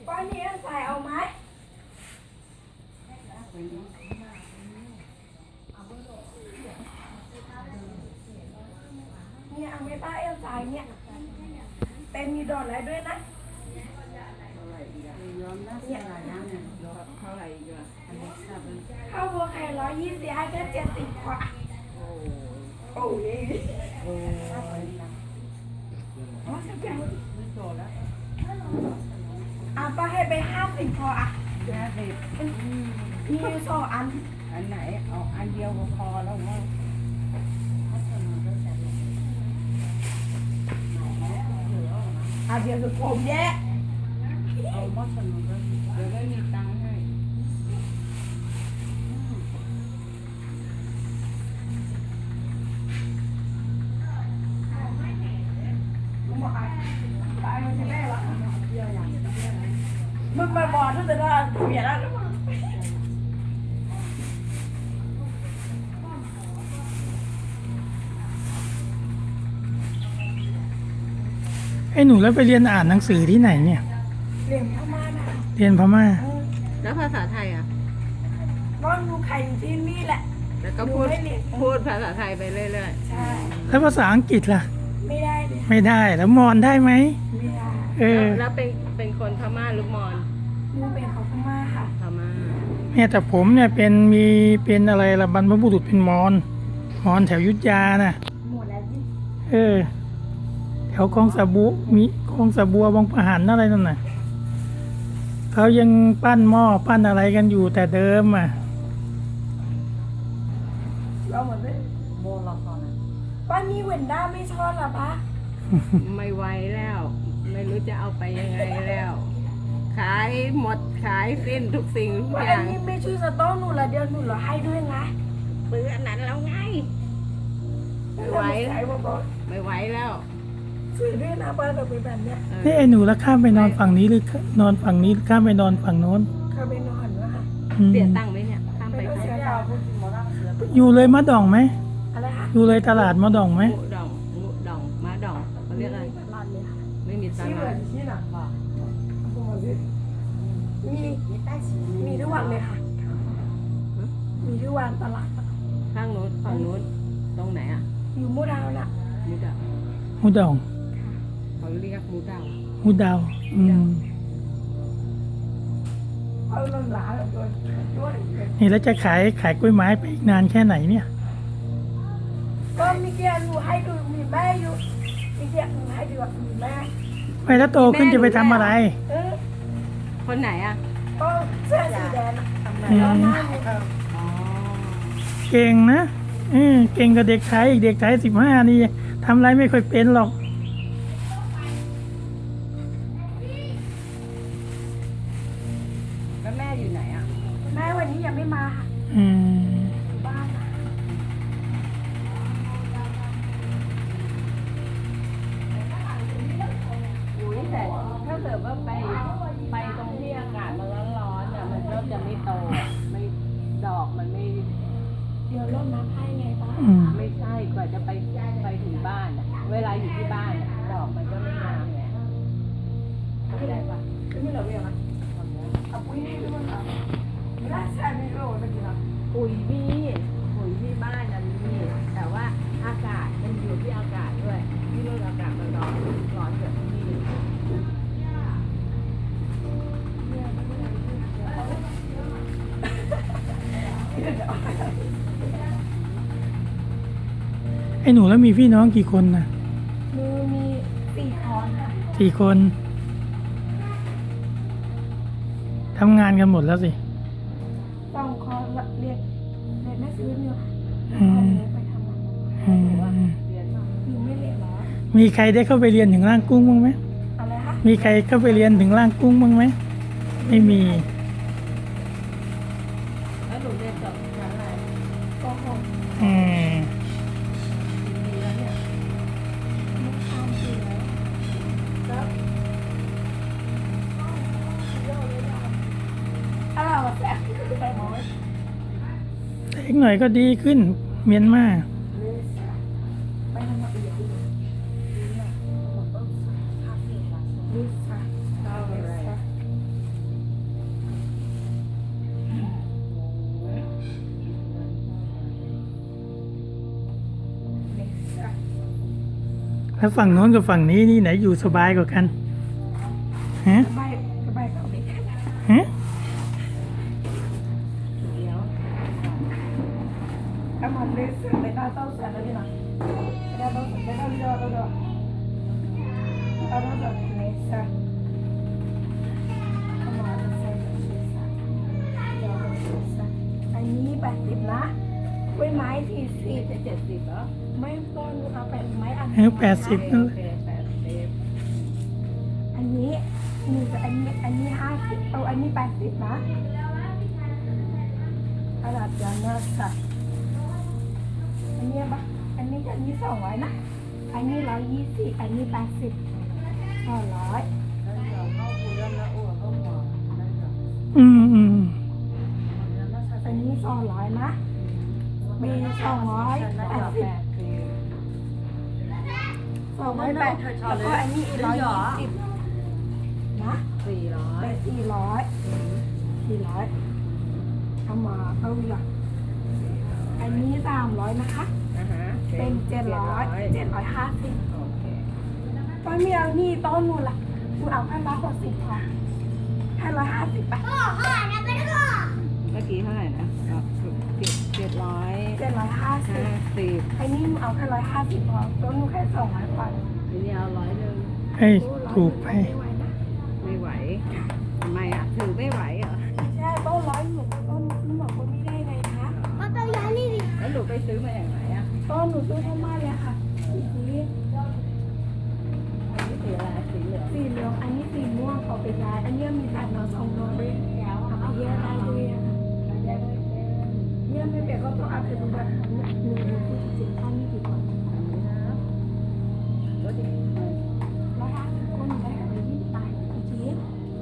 ก้อนนี้ใส่เอาไหมเนี่ยเอาไม่ป้าเอลสายเนี่ยเป็นมีดอกอะไรด้วยนะข้าวบัวไข่120ให้แค่70กว่าโอ้ยอ่ะป้าให้ไป50พออ่ะมี2 อันอันไหนเอาอันเดียวก็พอแล้วมั้งเดี๋ยวจะผมแย่เอาหมดสนุกเลยเดี๋ยวไม่มีตังค์ให้มึงมาบอกถ้าจะได้เปลี่ยนแล้วไอ้หนูแล้วไปเรียนอ่านหนังสือที่ไหนเนี่ยเรียนพม่านะเรียนพม่าแล้วภาษาไทยอ่ะน้องดูไข่อยู่ที่นี่แหละแล้วก็พูดภาษาไทยไปเรื่อยใช่แล้วภาษาอังกฤษล่ะไม่ได้เลยไม่ได้แล้วมอญได้ไหมไม่ได้เออๆแล้วเป็นคนพม่าหรือมอญมึงเป็นของพม่าค่ะพม่าเนี่ยแต่ผมเนี่ยเป็นอะไรละบรรพบุรุษเป็นมอญแถวอยุธยาน่ะหมดแล้วยิ่งเออ แถวคลองสะบัวมีคลองสะบัวบางปะหันอะไรนั่นน่ะเขายังปั้นหม้อปั้นอะไรกันอยู่แต่เดิมอ่ะเราหมดเลยโมละครป้านี่เวนด้าไม่ชอบหรอปะไม่ไหวแล้ว ไม่รู้จะเอาไปยังไงแล้ว ขายหมดขายสิ้นทุกสิ่งทุกว่าออันย่างนี้ไม่ช่วยสต๊อกหนูละเดียวหนูเหรอให้ด้วยนะปื้ออันนั้นแล้วไง ไม่ไหวใส่บอกไม่ไหวแล้วสวยด้วยนะป้าแบบแบบเนี้ยนี่ไอ้หนูแล้วข้ามไปนอนฝั่งนี้หรือนอนฝั่งนี้ข้ามไปนอนฝั่งโน้นเขาไปนอนวะค่ะอืมเสียตังค์ไหมเนี่ยข้ามไปไม่ต้องข้ามเสียไปดาวอยู่เลยมะดองไหมอะไรคะอยู่เลยตลาดมะดองไหมหมูดองม้าดองเขาเรียกอะไรร้านเลยค่ะไม่มีตลาดที่หนักป่ะมีทุกวันเลยค่ะ มีทุกวันตลาดข้างนู้นฝั่งนู้นตรงไหนอ่ะอยู่มูดาวน่ะหมูดาวหูดองเขาเรียกหมูดาวหูดาวอืมเอาลงหลาแบบด้วยนี่แล้วจะขายกล้วยไม้ไปอีกนานแค่ไหนเนี่ยก็มีเกียร์หนูให้ดูมีแม่อยู่มีเกียร์หนูให้ดูมีแม่ไปแล้วโตขึ้นจะไปทำอะไรคนไหนอ่ะก็เสื้อสีแดงอืแล้วมหน้าหนูอ๋อเก่งนะเก่งกับเด็กไทยอีกเด็กไทย15นี่ทำอะไรไม่ค่อยเป็นหรอกแล้วแม่อยู่ไหนอ่ะแม่วันนี้ยังไม่มาค่ะอืมบ้านน่ะอุ้ยแต่ถ้าเกิดว่าไปตรงที่อากาศมันร้อนๆเนี่ยมันก็จะไม่โตไม่ดอกมันไม่เดี๋ยวรดน้ำให้ไงป้าอืมไม่ใช่กว่าจะไปถึงบ้านอะเวลาอยู่ที่บ้านอะดอกมันก็ไม่งามไงเข้าใจปะไม่เหลือเวลาเอาปุ้ยให้ด้วยค่ะไม่ได้ใช่ไม่รู้ตะกี้นะปุ๋ยที่บ้านนั้นมีแต่ว่าอากาศมันอยู่ที่อากาศด้วยที่นู่นอากาศมันร้อนกว่าที่นี่ไอ้หนูแล้วมีพี่น้องกี่คนนะมือมี4 คนค่ะ 4 คนทำงานกันหมดแล้วสิ 2 คนเรียนแม่ซื้อเนี่ยค่ะอืมไปทำงานอืมหนูไม่เรียนแล้วมีใครได้เข้าไปเรียนถึงร่างกุ้งบ้างไหมอะไรคะมีใครเข้าไปเรียนถึงร่างกุ้งบ้างไหมไม่มีแล้วหนูเรียนจบชั้นอะไรก็คงอืมดีแล้วเนี่ยไม่ทำอยู่แล้วถ้าเราแสบไปหมดแต่อีกหน่อยก็ดีขึ้น เมียนมาไปทำมาอีกลิซ่าเอาอะไรแล้วฝั่งโน้นกับฝั่งนี้นี่ไหนอยู่สบายกว่ากันฮะสบายเขาเด็กฮะเดี๋ยวถ้ามันเลยเสือเลยน่าเต้าเสือแล้วนี่นะได้เต้าเสือได้เต้าเรือเต้าเรือเต้าเรือเลยเสือเข้ามาเสืออันนี้80นะกล้วยไม้40 จะ70เหรอไม่ต้นเอาไปไม้อันเออ80นั่นโอแหละเค80 อันนี้มีแต่อันนี้50เอาอันนี้80นะขนาดยาวนะค่ะอันนี้ปะอันนี้200นะอันนี้120อันนี้80 200 เข้าคุยแล้วอ้วนเข้าหัวได้จ้ะอืมอันนี้200นะมี280 280แล้วก็อันนี้120นะ 400 ไป400เอามาเอาอย่าง อันนี้300นะคะนะฮะเป็น750 โอเคต้นเมียนี่ต้นนู่นล่ะคุณเอาให้160พอให้150ไปเมื่อกี้เท่าไหร่นะ750 750อันนี้หนูเอาแค่150พอต้นหนูแค่200กว่าอันนี้เอา100นึงเฮ้ยถูกไปไม่ไหวนะไม่ไหวทำไมอ่ะถือไม่ไหวเหรอใช่ต้น100หนูต้นหนูบอกคนนี้ได้ไงคะแล้วหนูไปซื้อมาจากไหนอ่ะต้นหนูซื้อเข้ามาเลยค่ะสีอันนี้สีอะไรสีเหลืองเหลืองอันนี้สีม่วงเอาไปย้ายอันนี้มีแต่เรา2ดอกเลยเอาไปแยกได้ด้วยอะค่ะเนี่ยไม่เปียกก็ต้องเอาไปดูแบบหนูพูดจริงๆท่านนี่ดีกว่าอันนี้นะรถที่ 150คนได้อะไร20 บาทจริง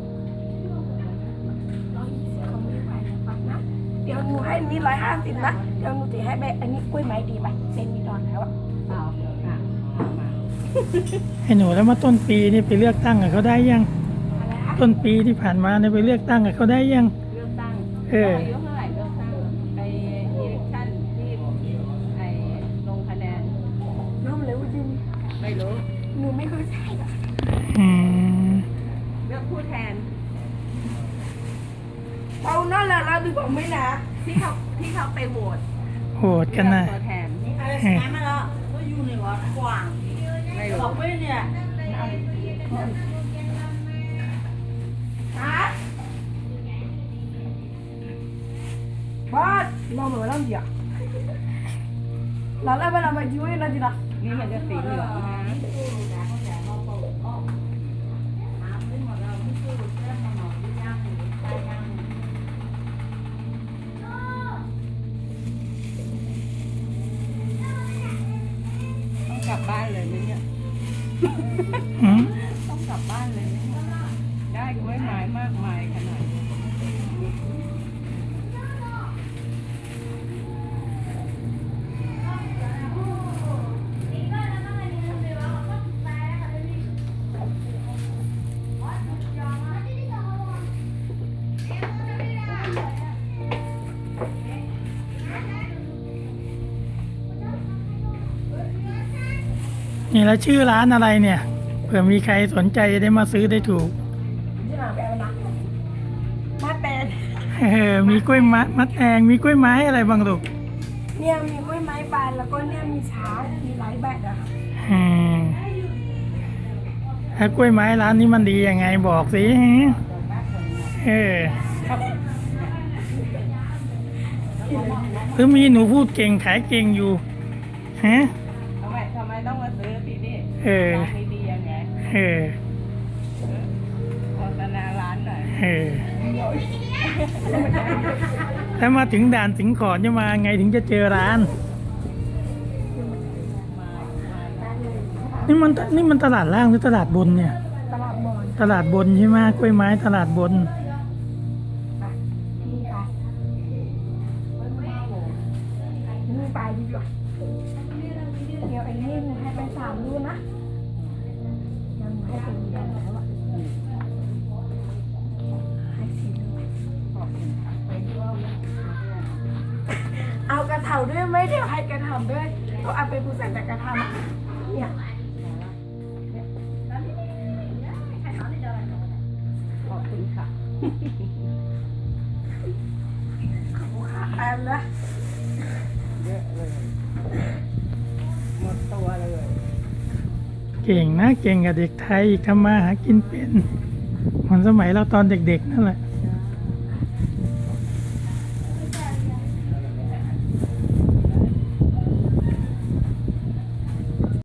120เขาไม่ไหวนะปักนะเดี๋ยวหนูให้นี่150นะเดี๋ยวหนูจะให้แบบอันนี้กล้วยไม้ดีไปเซนมีดอนแล้วอะเอาค่ะมาให้หนูแล้วมาต้นปีนี่ไปเลือกตั้งกับเขาได้ยังอะไรคะต้นปีที่ผ่านมาเนี่ยไปเลือกตั้งกับเขาได้ยังเลือกตั้งเอออายุเท่าไหร่เลือกตั้งไปอิเล็กชั่นที่ไอ้ลงคะแนนน้องเลยว่าจริงไม่รู้หนูไม่เคยใช่อะอืมเลือกผู้แทนเอานั่นแหละเราดูบอกไม่นะที่เขาไปโหวตโหดกันนะตัวแทนเออไม่รู้ฮะบ้านเราเหมือนเราเดียวเราแล้วเวลามาช่วยเราดีละนี่มันจะสีเหลืองนะต้องกลับบ้านเลยไหมเนี่ยอืมต้องกลับบ้านเลยไหมเนี่ยได้กล้วยไม้มากมายขนาดนี้นี่แล้วชื่อร้านอะไรเนี่ยเผื่อมีใครสนใจจะได้มาซื้อได้ถูกที่หลังไปเอานะมาเป็นมีกล้วยมัดแตงมีกล้วยไม้อะไรบ้างลูกเนี่ยมีกล้วยไม้บานแล้วก็เนี่ยมีช้างมีหลายแบบอะค่ะอืมแล้วกล้วยไม้ร้านนี้มันดียังไงบอกสิเออหรือมีหนูพูดเก่งขายเก่งอยู่ฮะทำไมต้องมาซื้อที่นี่เออร้านดีๆยังไงเออโฆษณาร้านหน่อยเออถ้ามาถึงด่านสิงขอนจะมาไงถึงจะเจอร้าน นี่มันตลาดล่างหรือตลาดบนเนี่ยตลาดมอนตลาดบนใช่ไหมกล้วยไม้ตลาดบนนี่ค่ะนี่ไปดีกว่าเดี๋ยวไอ้นี่หนูให้ไป3 ลูกนะยังให้เป็นเดือนแล้วอะให้4 ลูกเอากระเถาด้วยไหมเดี๋ยวให้กระเถาด้วยก็เอาไปปูใส่แต่กระเถาเนี่ยเขาขาแอนนะเยอะเลยหมดตัวเลยเก่งนะเก่งกับเด็กไทยทำมาหากินเป็นเหมือนสมัยเราตอนเด็กๆนั่นแหละ